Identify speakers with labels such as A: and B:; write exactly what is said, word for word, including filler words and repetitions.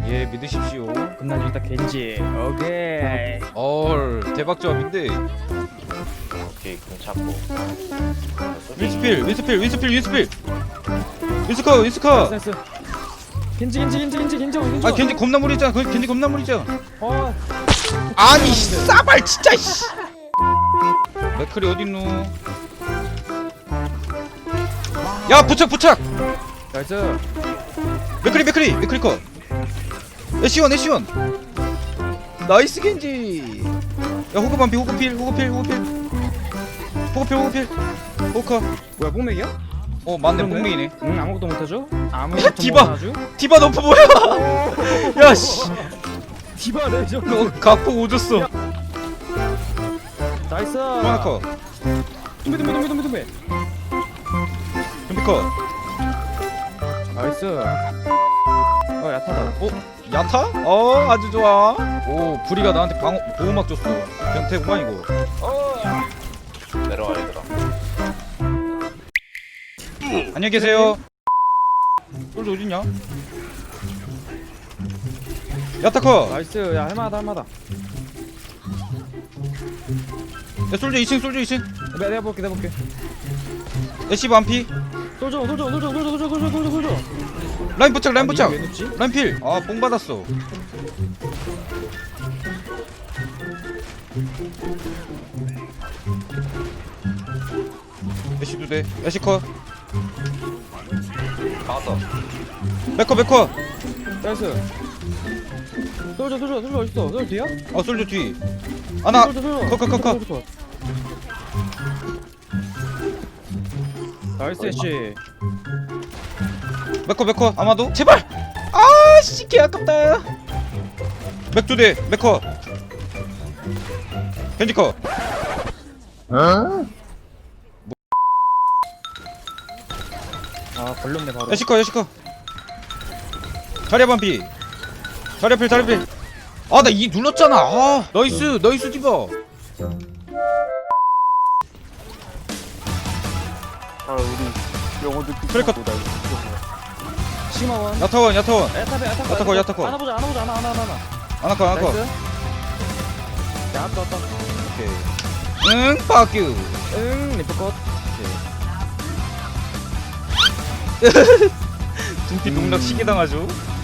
A: 예, 믿으십시오.
B: 그날 일단 겐지. 오케이.
A: 얼, 대박 조합인데.
C: 오케이 공 찾고.
A: 윈스필, 윈스필, 윈스필, 윈스필. 윈스커, 윈스커.
B: 나이스. 겐지 겐지 겐지 겐지 겐지 겐지.
A: 아, 겐지 겁나 무리잖아. 그 겐지 겁나 무리잖아.
B: 어.
A: 아니, 싸발 진짜 씨. 맥클이 어딨노? 야, 부착, 부착.
B: 나이스.
A: 맥클리, 맥클리, 맥클리 컷. 애쉬원, 애쉬원. 나이스 겐지. 야, 호그 반피, 호그 필, 호그 필, 호그 필. 호그 필, 호그 필. 호그.
B: 뭐야 뽕맥이야?
A: 어, 맞네,
B: 그러네.
A: 뽕맹이네.
B: 응 아무것도 못하죠? 아무것도
A: 디바.
B: 못하죠?
A: 디바 너프 뭐야? 야, 씨.
B: 디바 레저.
A: 너 각폭 오졌어.
B: 나이스.
A: 하나 컷.
B: tumbe tumbe tumbe tumbe tumbe.
A: 준비 컷.
B: 나이스. 어 야타다.
A: 어? 야타? 어, 아주 좋아. 오, 부리가 나한테 방어, 보호막 줬어. 변태구만 이거.
C: 내려와 얘들아.
A: 안녕히 계세요. 솔저 어딨냐? 야타 컷.
B: 나이스. 야 할만하다 할만하다.
A: 야, 솔저 이 층, 솔저 이 층.
B: 내가 내가 볼게 내가 볼게.
A: 애쉬 반피.
B: 솔져 솔져 솔져 솔져 솔져 솔져 솔져 솔져.
A: 라인 부착, 라인 부착.
B: 왜 눕지?
A: 라인 필. 아, 뽕 받았어. 애쉬 두 대. 애쉬 컷.
C: 막았어.
A: 맥커, 맥커.
B: 나이스. 솔져 솔져 솔져 어딨어? 솔져 뒤야?
A: 어, 솔저 뒤. 하나.
B: 솔져 솔져.
A: 컷, 컷, 컷, 컷.
B: 솔져, 솔져. 나이스 씨.
A: 맥커, 맥커. 아마도. 제발. 아, 씨, 개 아깝다. 맥 두 대. 맥커. 겐지커.
B: 아 걸렸네 바로.
A: 애쉬커, 애쉬커. 자리야 반피. 자리야 필, 자리야 필. 아, 나 이 눌렀잖아. 아, 나이스, 나이스 디바.
C: 아 우리 영어도
A: 트래커.
B: 심화원.
A: 야타원, 야타원.
B: 야타베 야타베.
A: 야타커, 야타커.
B: 하나 보자 하나 보자 하나 하나 하나 하나.
A: 아나커, 아나커.
B: 나이스. 야 왔다 왔다.
A: 오케이. 응, 빠큐.
B: 응 리프컷.
A: 둠피 농락 시계 당하죠.